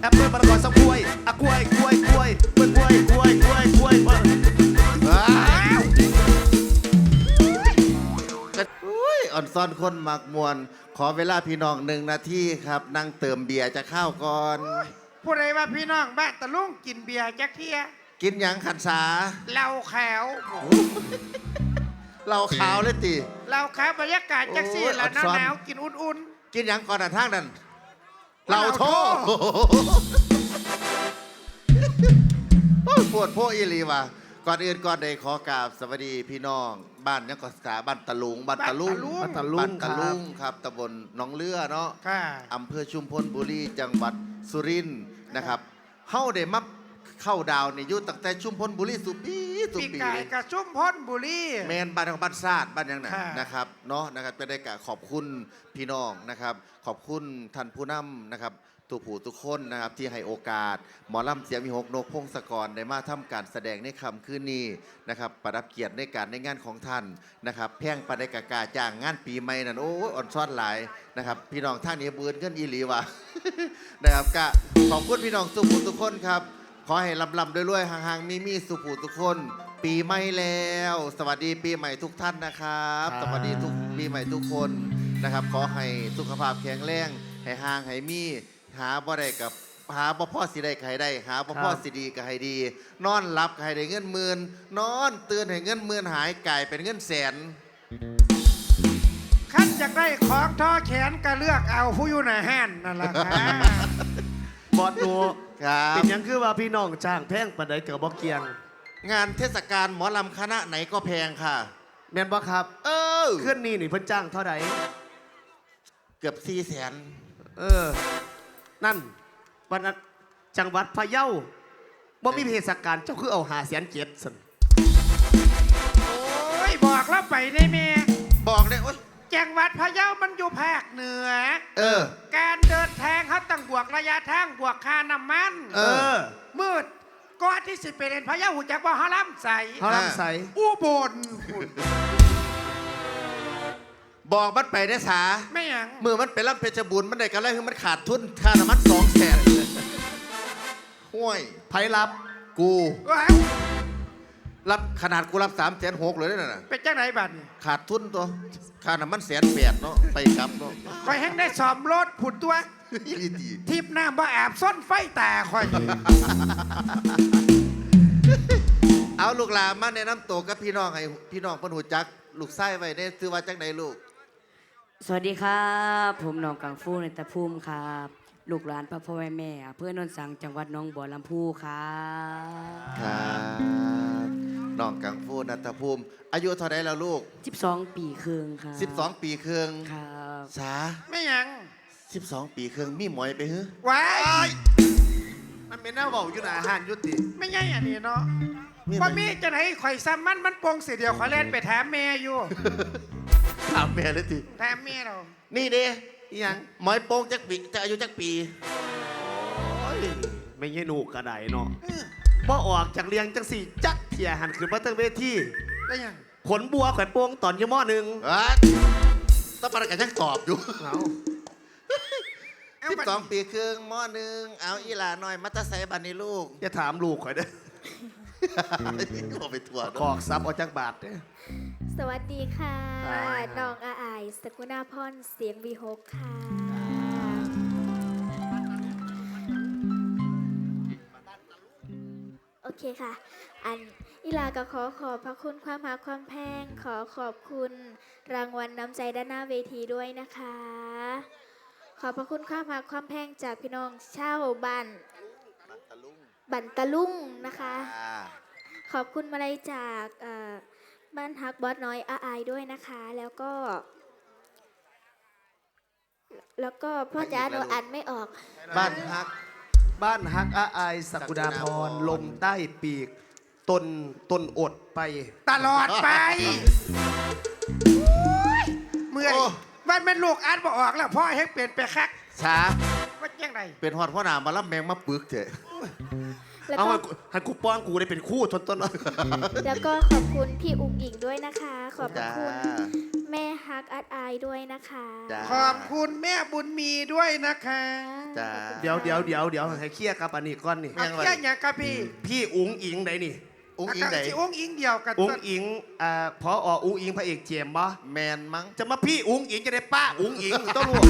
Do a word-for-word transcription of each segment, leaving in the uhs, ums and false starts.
อปเปิ้ลมะละกอส้มกล้วยอะกล้วยกล้วยกล้วยกล้วยกล้วยกล้วยกล้วยกล้วยกล้วยว้าวอุ้ยอ่อนซ่อนคนหมักมวนขอเวลาพี่น้องหนึ่งนาทีครับนั่งเติมเบียร์จะเข้าก่อนผู้ใดว่าพี่น้องบ้านตะลุงกินเบียร์จักเทียกินหยังขันสาเหล้าขาวเราขาวเลยตีเหล้าขาวบรรยากาศจักซี่โอ้ยแล้วหอัดซ้อนนาวๆกินอุ่นกินหยังก่อนอ่ะทางนั้นๆเราโทษปวดพวกอีหลีว่ะก่อนอื่นก่อนใดขอกราบสวัสดีพี่น้องบ้านยังก็สาบ้านตะลุงบ้านตะลุงบ้านตะบ้านตะลุงครับตำบลหนองเลือเนาะค่ะอำเภอชุมพลบุรีจังหวัดสุรินทร์นะครับเฮาได้มาเข้าดาวในยุคตั้งแต่ชุมพลบุรีสุปีสุปีปีไก่เลยกระชุ่มพ้นบุรีแมนบ้านของบ้านซาดบ้านยังไงค่ะนะครับเนาะนะครับจะได้กะขอบคุณพี่น้องนะครับ ขอบคุณท่านผู้นำนะครับตัวผู้ทุกคนนะครับที่ให้โอกาสหมอลำเสียงมีหกนกพงศกรได้มาทำการแสดงในคำคืนนี้นะครับประดับเกียรติในการในงานของท่านนะครับแพ่งประเดกากาจ้างงานปีใหม่นั่นโอ้ยอ่อนซ้อนหลายนะครับพี่น้องท่านนี้เบือนกันอีหลีว่ะ นะครับกะขอบคุณพี่น้องสุภูทุกคนครับขอให้ลำลำด้วยๆห่างๆมีมีสุภูทุกคน ปีใหม่แล้ว สวัสดีปีใหม่ทุกท่านนะครับสวัสดีทุกปีใหม่ทุกคนนะครับขอให้สุขภาพแข็งแรงให้ห่างให้มีหาบ่ได้กับหาบ่พ่อสิได้ก็ให้ได้หาบ่พ่อสิดีก็ให้ดี นอนหลับก็ให้ได้เงินหมื่นนอนตื่นให้เงินหมื่นหายกลายเป็นเงินแสนขั้นจากได้ของท่อแขนก็เลือกเอาผู้อยู่ในห้านนั่นแหละค่ะบอดดูครับเป็นหยังคือว่าพี่น้องจ้างแพงปานใดเกิดบ่เกียงงานเทศกาลหมอลำคณะไหนก็แพงค่ะแม่นบ่ครับเออเคลื่อนนี่นี่เพิ่นจ้างเท่าใดเกือบสี่แสนเออ นั่นวันนั้นจังหวัดพะเยาบ่มีเทศกาลเจ้าคือเอาหาแสนเจ็ดสั่นโอ้ยบอกแล้วไปได้เมบอกเลยโอ๊ยจังหวัดพะเยามันอยู่ภาคเหนือเออการเดินทางเขาต้องบวกระยะทางบวกค่าน้ำมันเออมืดก่อนที่สิไปเรียนพะเยาหูจักว่าฮาลัมใสเขาลำใสอุบลบอกมันไปได้สาไม่หยังมือมันไปรับเพชรบุญมันได้กันแล้วคือมันขาดทุนค่าน้ำมันสองแสนห้วยไผรับกูว้าวรับขนาดกูรับสามแสนหกเลยนั่นน่ะเป็นจังไหนบัดนี้ขาดทุนตัวค่าน้ำมันแสนแปดเนาะไปกลับเนาะคอยแห้งได้สอมรถผุดตัวอีดีทิพย์น้ำบ่อาบส้นไฟแต่คอยเอาลูกหลานมาแนะนำตัวกับพี่น้องให้พี่น้องเพิ่นหูจักลูกไส้ไว้ได้ซื้อว่าจังใดลูกสวัสดีครับผมน้องกังฟูในตะพุ่มครับลูกหลานพ่อพ่อแม่แม่อำเพื่อนนนสังจังหวัดหน้องบัวลำพูครับครับน้องกังฟูนัทภูมิ อายุเท่าไรแล้วลูกสิบสองปีครึ่งครับสิบสอง ปีครึ่งครับสาไม่หยังสิบสอง ปีครึ่งมีหมอยไปฮึว้ายมันเป็นหน้าเว้าอยู่หน้าอาหารยุติไม่ใช่อันนี้เนาะมีไหว่ามีจะไหนข่อยซ้ำมันมันโปงเสียเดียวขอเล่นไปถามแม่อยู่ถามแม่เลยทีถามแม่เรานี่เด้อีหยังหมอยโป้งจักปีจะอายุจักปีโอ้ยไม่ใช่หนูกระไดเนาะบ่ออกจากเรียงจังสี่จักเพียหันขึ้นมาตั้งเวทีได้ยังขนบัวแขวนโปงตอนอยี่หม้อหนึ่งอ่ะต้องประกันยังตอบอยู่เอาเอาสิบบัดสอง ปีครึ่งหม้อหนึ่งเอาอีหลาหน่อยมัตไซบันนี่ลูกอย่าถามลูกข่อยเด้อเอาไปถั่วขเนาะอกซับเอาจากบาทเด้อสวัสดีค่ะครับน้องอาอายสกุณาพรเสียงวีหกค่ะ โอเคค่ะ อันอิลาก็ขอขอบพระคุณความหาความแพง ขอขอบคุณรางวัลน้ำใจด้านหน้าเวทีด้วยนะคะ ขอบพระคุณความหาความแพงจากพี่น้องเช่าวบ้านบันตะลุงนะคะอ่าขอบคุณมาลัยจากเอ่อบ้านฮักบอสน้อยอาอายด้วยนะคะ แล้วก็ แล้วก็พ่อจ๋าหนูอ่านไม่ออกบ้านฮักบ้านฮักอาอายสักุดาพรลมใต้ปีก ตนตนอดไปตลอดไปเมื่อยโอ้วันเป็นลูกอ่านบ่ออกแล้วพ่อให้เปลี่ยนไปคักช้าว่าจังไดเป็นหอดพ่อหนามารับแมงมาปึกเถอะแล้วเอาก็ให้กูให้กูป้อนกูได้เป็นคู่ทนต้นแล้วก็ขอบคุณพี่อุ๋งอิงด้วยนะคะ ขอบพระจ้าคุณแม่ฮักอัดอายด้วยนะคะจ้าขอบคุณแม่บุญมีด้วยนะคะจ้าเดี๋ยวเดี๋ยวเดี๋ยวเดี๋ยวให้เคลียร์กับอันนี้ก่อนนี่เอายังไงแค่อย่างกับพี่พี่อุ๋งอิงไหนนี่อุ้งอิงไหนสิอุ้งอิงเดียวกันอุ๋งอิงอ่าพอออุ๋งอิงพระเอกเจมส์บ่แมนมั้งจะมาพี่อุ๋งอิงจะได้ป้าอุ๋งอิงต้องรู้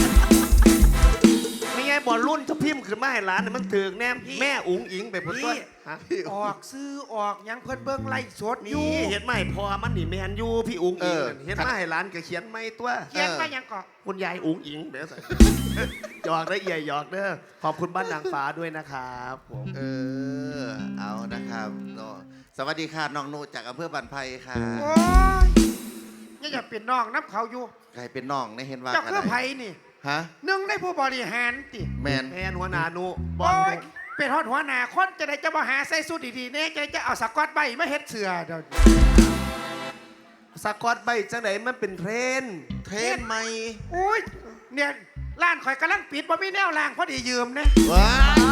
ไม่ไงบอลรุ่นจะพิมพ์ขึ้นมาให้ร้านเนี่ยมันถึงแน่แม่อุ๋งอิงไปพุ่นตัวฮะออกซื้อออกหยังเพิ่นเบิ่งไล่สดอยู่นี่เห็นไหมพอมันนี่แมนยูพี่อุ๋งอิงนั่นเห็นไหมให้ร้านก็เขียนไม่ตัวเขียนมาหยังก่อนคุณยายอุ๋งอิงเดี๋ยวใส่ หยอกได้เอี่ยหยอกเด้อขอบคุณบ้านนางฟ้าด้วยนะครับผมเออเอานะครับเนาะสวัสดีค่ะน้องนุจากอำเภอบันไพค่ะโอ้ยนี่อย่าเป็นน้องน้ำเขาอยู่ใครเป็นน้องในเห็นว่าเจ้ากันคือได้ไผนี่ฮะหนึ่งในผู้บริหารติแมนแมนหัวหนานุบอโอ้ลยเป็นฮอดหัวหน้าคนจะได้จะมาหาใส่สูทดีๆเนี่ยจะจะเอาสกอตใบมาเฮ็ดเสือเดี๋ยวสกอตใบจังไหนมันเป็นเทรนด์เทรนไหมอุ้ยเนี่ยร้านข่อยกำลังปิดบ่มีแนวล่างพอดียืมนะว้าย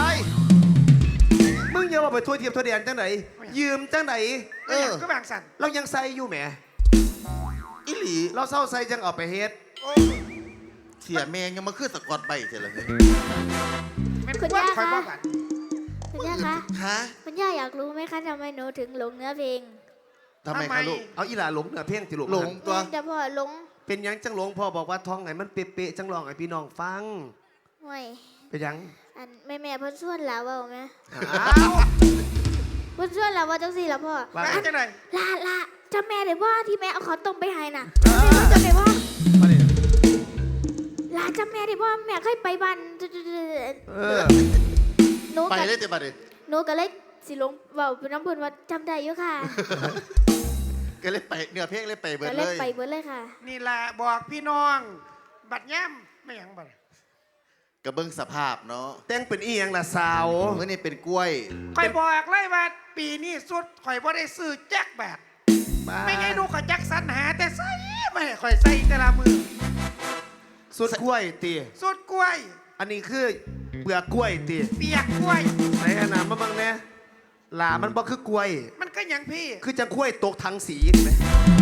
มึงอย่ามาไปทั่วเทียมทั่วแดนจังไหนยืมจังไหนเออก็บางสันเรายังใส่อยู่แหมอิหลีเราเศร้าใส่จังเอาไปเฮ็ดโอ้ยเสียแมงยังมาขึ้นสะกดใบเสร็จแล้วเนี่ยแม่นคุณว่าย่าข่อยบ่คะบัดคุณย่าคะฮะคุณย่าอยากรู้ไหมคะทำไมหนูถึงหลงเนื้อเพลงทำไมคะลูกเอาอีหลาหลงเนื้อเพลงติลูกหลง ตัวแต่พ่อหลงเป็นหยังจังหลงพ่อบอกว่าท้องไหนมันเป๊ะๆจังลองให้พี่น้องฟังห่วยเป็นหยังอันแม่แม่ๆเพิ่นส่วนแล้วเว่าไหมอ้าวเพิ่นส่วนแล้วว่าจังสี่แล้วพ่อว่ามาจังได๋ลาลาจำแม่ได้ว่าที่แม่เอาขอต้มไปให้น่ะแม่จำได้ว่ามาดิลาจำแม่ได้ว่าแม่เคยไปบ้านเออหนูไปกับเลยแต่บัดนี้หนูก็เลยสิลงเว้าเป็นน้ำเพิ่นว่าจำได้อยู่ค่ะก็เลยไปเนื้อเพลงเลยไปเบิดก็เลเลยยไปเบิดเลยค่ะนี่ล่ะบอกพี่น้อง บัดย่ำไม่หยังบัดกระเบื้องสภาพเนาะแต่งเป็นอีหยังล่ะสาวเมื่อนี่เป็นกล้วยข่อยบอกเลยว่าปีนี้สุดข่อยบ่ได้ซื้อแจ็คแบบ ไม่ไงหนูก็จักสรรหาแต่ใส่ไม่ให้ข่อยใส่แต่ละมือสุดกล้วยตีสุดกล้วยอันนี้คือเปลือกกล้วยตีเปียกกล้วยไหนขนาดมาบังเนี่ยหลามันบ่คือกล้วยมันก็หยังพี่คือจังกล้วยตกถังสีเห็นไหม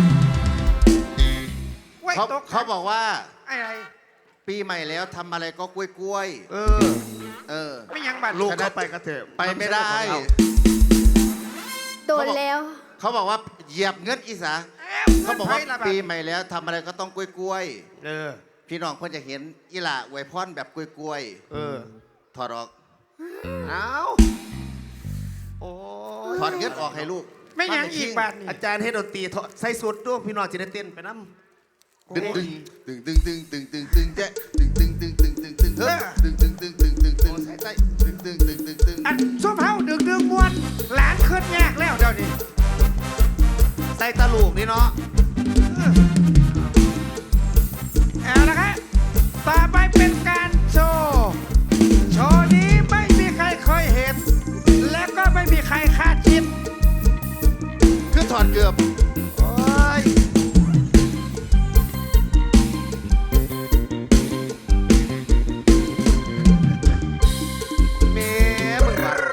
กล้วยเขาตกเขาบอกว่าอะไรปีใหม่แล้วทำอะไรก็กล้วยกล้วยเออๆเออไม่หยังบัดลูกเข้าไปกระเถอะไปไม่ได้โดนแล้วเขาบอกว่าเหยียบเงินอีสาเอ๊ะเขาบอกว่างินไผละดปีใหม่แล้วทำอะไรก็ต้องกล้วยกล้วยเออๆพี่น้องเพื่อนจะเห็นอีหล่าอวยพรแบบกล้วยกล้วยเออๆถอดออกเอาโอ้ยถอดเงินออกให้ลูกไม่หยังอีกบัดนี่อาจารย์ให้ดนตรีถอดใส่สุดด้วยพี่น้องจะได้เต้นไปน้ำดึงดึงดึงดึงดึงดึงดึงดึงแจ๊ะดึงดึงดึงดึงดึงดึงเฮ้ยดึงดึงดึงดึงดึงดึงใส่ใต้ดึงดึงดึงดึงดึงอันส้มเฮาดึงดึงมวนหลานขึ้นแยกแล้วเดี๋ยวนี้ใส่ตะลูกนี่เนาะเอาละครับต่อไปเป็นการโชว์โชว์นี้ไม่มีใครเคยเห็น และก็ไม่มีใครคาดคิดคือถอดเกือบโอ้ยแม่มึงว่ะ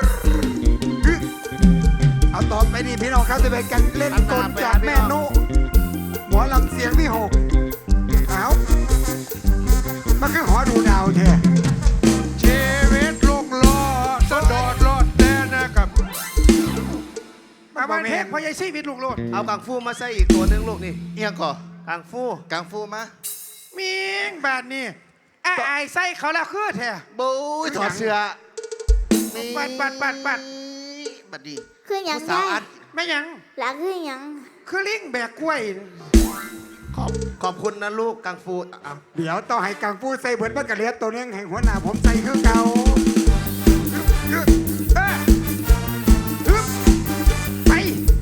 เอาต่อไปนี่พี่น้องครับจะเป็นการเล่นกลจากแม่นุหมอลำเสียงที่หกเอามันคือหอดูดาวแท้ชีวิตลูกโลดสะโดดโลดแน่นะครับมาวันเพชรพอยายชีวิตลูกโลดเอากังฟูมาใส่อีกตัวหนึงลูกนี่เอียงก่อกังฟูกังฟูมามิงบาดนี่อ้ายอายใส่เขาแล้วคือแท้บู๊ยถอดเสื้อปัดปัดปัดปัดบัดดีคือหยังสาวได้อัดไม่หยังหลังคือหยังคือลิงแบกกล้วยขอบขอบคุณนะลูกกังฟูเอาเดี๋ยวต้องให้กังฟูใส่เบิร์ดมันกระเลียดตัวนึงให้หัวหน้าผมใส่คือเก่าเออฮึบไป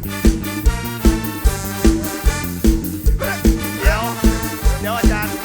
เดี๋ยว เดี๋ยวอาจารย์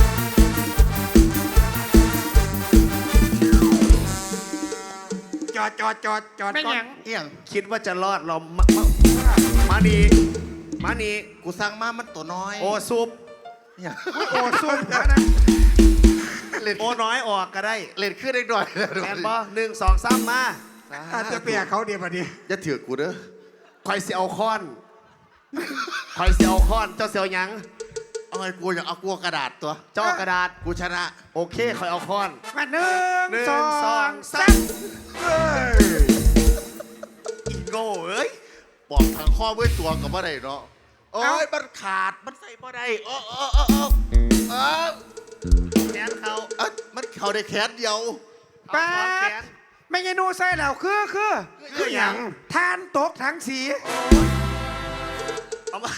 จอดจอดจอดจอดไม่ก่อหยันงเอียงคิดว่าจะรอดเรามามามานีมานีกูสั่งมามันตัวน้อยโอซุปเอียงโอ้ซุ่มแล้วนะเล่นโอน้อยออกก็ได้เล่นขึ้นได้หน่อยแล้วแอนบอหนึ่งสองสามมาอาจจะเปียกเขาเดียวพอดีจะถือกูเด้อคอยเสียวค้อนคอยเสียวค้อน เจ้าเสียวหยังเอาไงกูอยากเอากลัวกระดาษตัวเจ้ากระดาษกูชนะโอเคคอยเอาค้อนมาหนึ่งหนึ่งสองสองสาสาม มเอ้ยอีโง่เอ้ยบอกทางข้อเมื่อตัวกับว่าได้เนาะโอ้ยมันขาดมันใส่บ่ได้โอ้โอ้โอ้โอ้เออแขนเขาเอ้ยมันเข่าได้แขนเดียวเอาแป๊ค้อนแขดนไม่ยนูใส่แล้วคือคือคือหยังทานตกทั้งสีเอามา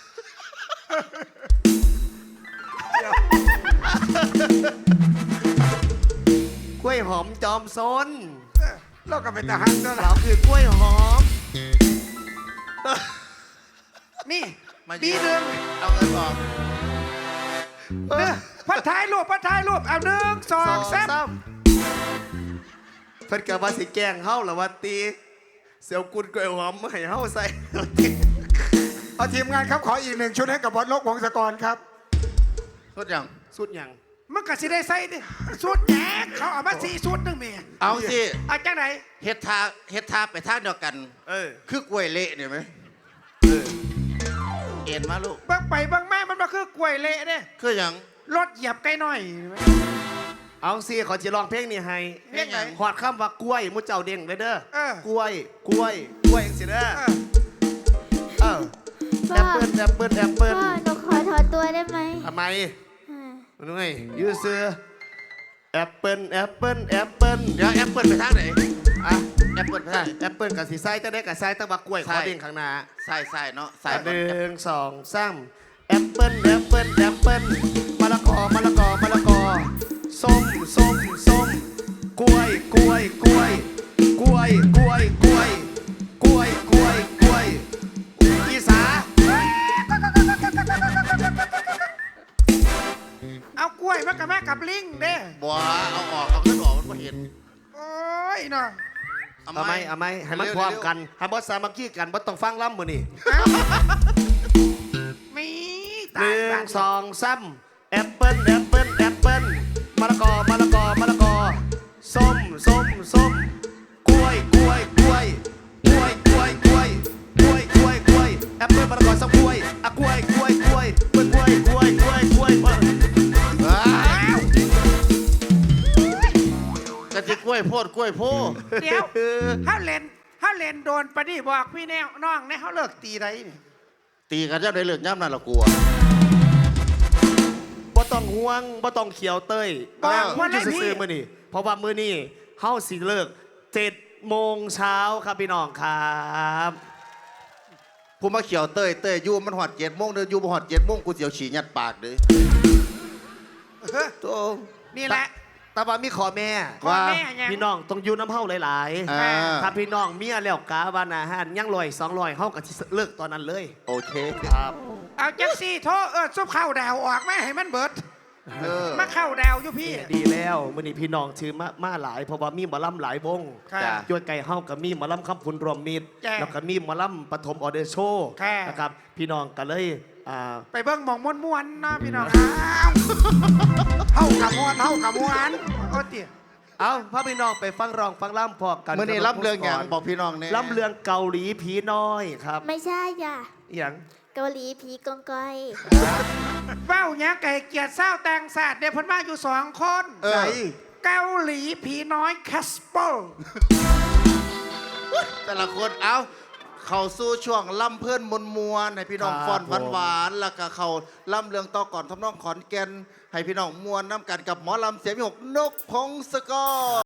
กล้วยหอมจอมซนเราก็เป็นทหารด้วยเราล่ะคือกล้วยหอมนี่มาบีหนึ่งเอาเงินออกเด้อพัดท้ายรูปพัดท้ายรูปเอาหนึ่งสองสามเพิ่นกับว่าสิแกล้งเฮาหรือว่าตีเสียวกุนกล้วยหอมมาให้เฮาใส่เอาทีมงานครับขออีกหนึ่งชุดให้กับบอสลกวงศกรครับทุกอย่างสุดหยังมันก็สิได้ใส่ดิสุดแหนเขาเอามาสี่สุดหนึงเมียเอาสิเอาจังไหนเฮ็ดทาเฮ็ดทาไปทางเดียวกันเออคือกล้วยเละเนี่ยไหมเออเอ็นมาลูกเบิ่งไปเบิ่งมามันมาคือกล้วยเละเด้คืออย่างรถเหยียบไกลหน่อยเอาสิขอจะลองเพลงนี้ให้เพลงไหนหอดคำว่ากล้วยมุเจ้าเด้งเลยเด้อเออกล้วย กล้วย กล้วยจังสิเด้อเออเออแอปเปิ้ลแอปเปิ้ลแอปเปิ้ลพ่อหนูขอถอนตัวได้ไหมทำไมอ่ามันไงยูซื้อแอปเปิ้ลแอปเปิ้ลแอปเปิ้ลเดี๋ยวแอปเปิลไปทางไหนอ่ะแอปเปิลไปทางไหนแอปเปิ้ลกับสีไส้จะได้กับไส้ตั้งบักกล้วยขใช่อเด้งข้างหน้าใส่ใส่เนาะใส่หนึ่งสองสามแอปเปิ้ลแอปเปิ้ลแอปเปิ้ลมะละกอมะละกอมะละกอส้มส้มส้มกล้วยกล้วยกล้วยกล้วยกล้วยกล้วยกล้วยกล้วยกล้วยอีสาเอากล้วยมากับแม่กับลิงเด้บัวเอาออกเอาขึ้นออกมันก็เห็นโอ้ยเนาะเอาไหมเอาไหมให้มันพร้อมกันให้บอสสามัคคีกันบอสต้องฟังล่ำมือนี่มีหตายนึ่บ้างสองสามแอปเปิ้ลแอปเปิ้ลแอปเปิ้ลมะละกอมะละกอมะละกอส้มส้มส้มกล้วยกล้วยกล้วยกล้วยกล้วยกล้วยกล้วยกล้วยกล้วยแอปเปิ้ลมะละกอส้มกล้วยอะกล้วยกล้วยกล้วยกล้วยกล้วยกล้วยกล้วยกล้วยกล้วยอ้าวกะจิกล้วยโพดกล้วยโพดเดี๋ยวถ้าเล่นถ้าเล่นโดนปะนี่บอกพี่แนวน้องเนี่ยเขาเลิกตีไรนี่ตีกันเจ้าได้เลือกย่ำนั่นละกลัวบ่ต้องห่วงบ่ต้องเขียวเต้ยบอกนั่งว่าอไรยู่พี่ซื่อๆมื้อนี้เพราะว่ามื้อนี้เฮาสิเลิกเจ็ดโมงเช้าครับพี่น้องครับผู้มาเขียวเต้ยเต้ยอยู่มันหอดเจ็ดโมงเดินอยู่บ่หอดเจ็ดโมงกูเสียวฉี่ยัดปากเลยเฮ้ยโตัวนี่แหละแต่ว่ามีขอแม่พ่อแม่ยังพี่น้องต้องอยู่น้ำเฮาหลายอ่าๆถ้าพี่น้องเมียแล้วกาบานอาหารยังลอยสองลอยเฮาก็สิเลิกตอนนั้นเลยโอเคครับเอาจังซี่โทษเออซุปข้าวดาวออกมาให้มันเบิดเออมาเข้าดาวอยู่พี่ดีแล้วมื้อนี้พี่น้องชื่อมามาหลายเพราะว่ามีหมอลำหลายวงค่ะจ้ะย้วยไก่เฮากับมีหมอลำคำพุนรวมมิตรจ้ะแล้วก็มีหมอลำปฐมออเดอร์โชว์ค่ะนะครับพี่น้องก็เลยอ่าไปเบิ่งหมองม้วนๆเนาะพี่น้องอ้าวเท่ากับมวนเท่ากับมวนโอ้เตี๋ยเอาพาพี่น้องไปฟังร้องฟังล่ำพอกันเมื่อนี้รับเรื่องอย่างบอกพี่น้องเนี่ยล่ำเรื่องเกาหลีผีน้อยครับไม่ใช่ย่ะอหย่างเกาหลีผีกองกอยเว้าหยังไก่เกียรติเศร้าแตงศาสตร์เดี๋ยวเพิ่นมาอยู่สองคนเออเกาหลีผีน้อยแคสเปอร์แต่ละคนเอาเข้าสู่ช่วงล่ำเพื่อนมวลมวลให้พี่น้องฟอนหวานหวานๆแล้วก็เขาล่ำเรื่องต่อก่อนทำนองขอนแก่นให้พี่น้องมวลน้ำกันกับหมอลำเสียงมีหกนกพงศกร